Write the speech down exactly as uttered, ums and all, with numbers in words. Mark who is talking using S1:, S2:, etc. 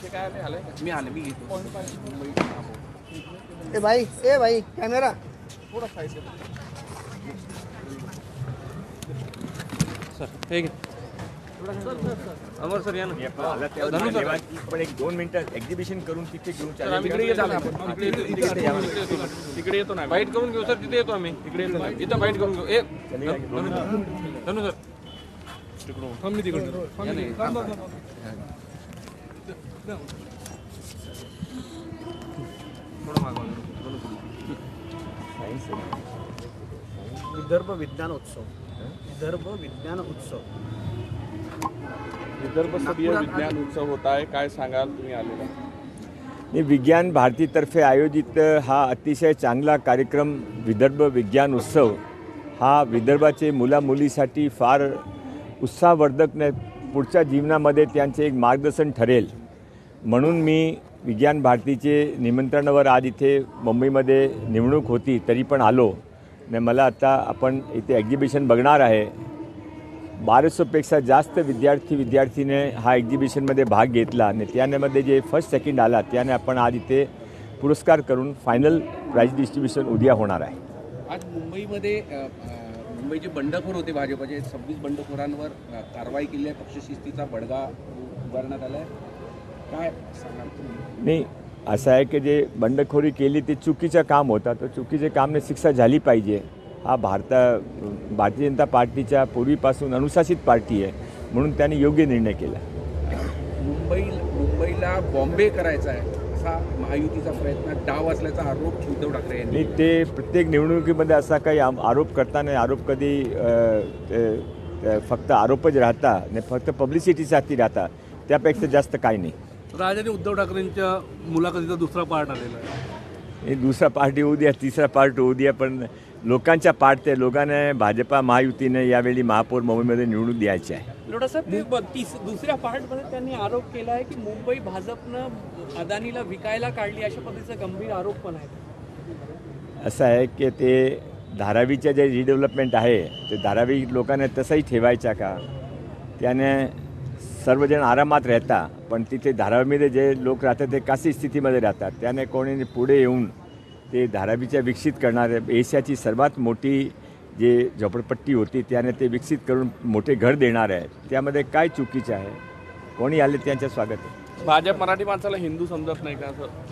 S1: मी आले मी घेतो
S2: ए भाई ए भाई कॅमेरा
S1: थोडा साईड सर ठीक आहे अमर सर या ना धनु सर
S3: पण एक दोन मिनिटं एक्झिबिशन करून तिथे घेऊन
S1: सर आम्ही तिकडे येतो आपण तिकडे येतो ना बाईट करून घेऊ सर तिथे येतो आम्ही तिकडे येतो इथं बाईट करून घेऊ ए धनु सर तिकडून थांब मी तिकडून थोडं मागवा
S2: विदर्भ विज्ञान उत्सव विदर्भ विज्ञान उत्सव
S4: विदर्भ स्तरीय विज्ञान उत्सव होता है, काय सांगाल तुम्ही आलेला?
S3: मी विज्ञान भारतीतर्फे आयोजित हा अतिशय चांगला कार्यक्रम विदर्भ विज्ञान उत्सव हा विदर्भाचे मुलामुलीसाठी फार उत्साहवर्धक ने पुढच्या जीवनामध्ये त्यांचे एक मार्गदर्शन ठरेल म्हणून मी विज्ञान भारतीचे निमंत्रणावर आज इथे मुंबईमध्ये निवडणूक होती तरी पण आलो ने मला आता आपण इथे एक्झिबिशन बघणार आहे. बाराशेपेक्षा जास्त विद्यार्थी विद्यार्थीने हा एक्झिबिशनमध्ये भाग घेतला आणि त्यामध्ये जे फर्स्ट सेकंड आला त्याने आपण आज इथे पुरस्कार करून फायनल प्राइज डिस्ट्रीब्युशन उद्या होणार आहे.
S1: आज मुंबईमध्ये मुंबईचे बंडखोर होते भाजपचे सव्वीस बंडखोरांवर कारवाई केली आहे. पक्षशिस्तीचा बडगा उभारण्यात आला आहे. काय सांगाल तुम्ही?
S3: नाही असं आहे की जे बंडखोरी केली ते चुकीचं काम होतं तर चुकीचे कामने शिक्षा झाली पाहिजे. हा भारता भारतीय जनता पार्टीच्या पूर्वीपासून अनुशासित पार्टी आहे म्हणून त्यांनी योग्य निर्णय केला.
S1: मुंबई मुंबईला बॉम्बे करायचा आहे असा महायुतीचा प्रयत्न डाव असल्याचा आरोप उद्धव ठाकरे यांनी.
S3: आणि ते प्रत्येक निवडणुकीमध्ये असा काही आरोप करताना आरोप कधी फक्त आरोपच राहता आणि फक्त पब्लिसिटीसाठी राहता त्यापेक्षा जास्त काही नाही.
S5: राजाने उद्धव ठाकरेंच्या मुलाखतीचा दुसरा पार्ट आलेला आहे.
S3: हे दुसरा पार्ट होऊ द्या तिसरा पार्ट होऊ द्या पण लोकांच्या पार्ट ते लोकांना भाजपा महायुतीने यावेळी महापौर मुंबईमध्ये निवडून द्यायचे आहे.
S6: लोटा साहेब तीस दुसऱ्या पार्टमध्ये त्यांनी आरोप केला आहे की मुंबई भाजपनं अदानीला विकायला काढली अशा पद्धतीचा गंभीर आरोप पण आहे.
S3: असं आहे की ते धारावीचं जे रिडेव्हलपमेंट आहे ते धारावी लोकांना तसंही ठेवायचा का त्याने सर्वजण आरामात राहता पण तिथे धारावीमध्ये जे लोक राहतात ते कशी स्थितीमध्ये राहतात त्याने कोणी पुढे येऊन ते धारावीच्या विकसित करणारे एशियाची सर्वात मोठी जे झोपडपट्टी होती त्याने ते विकसित करून मोठे घर देणार आहे त्यामध्ये काय चुकीचं आहे. कोणी आले त्यांचं स्वागत आहे.
S4: भाजप मराठी माणसाला हिंदू समजत नाही का असं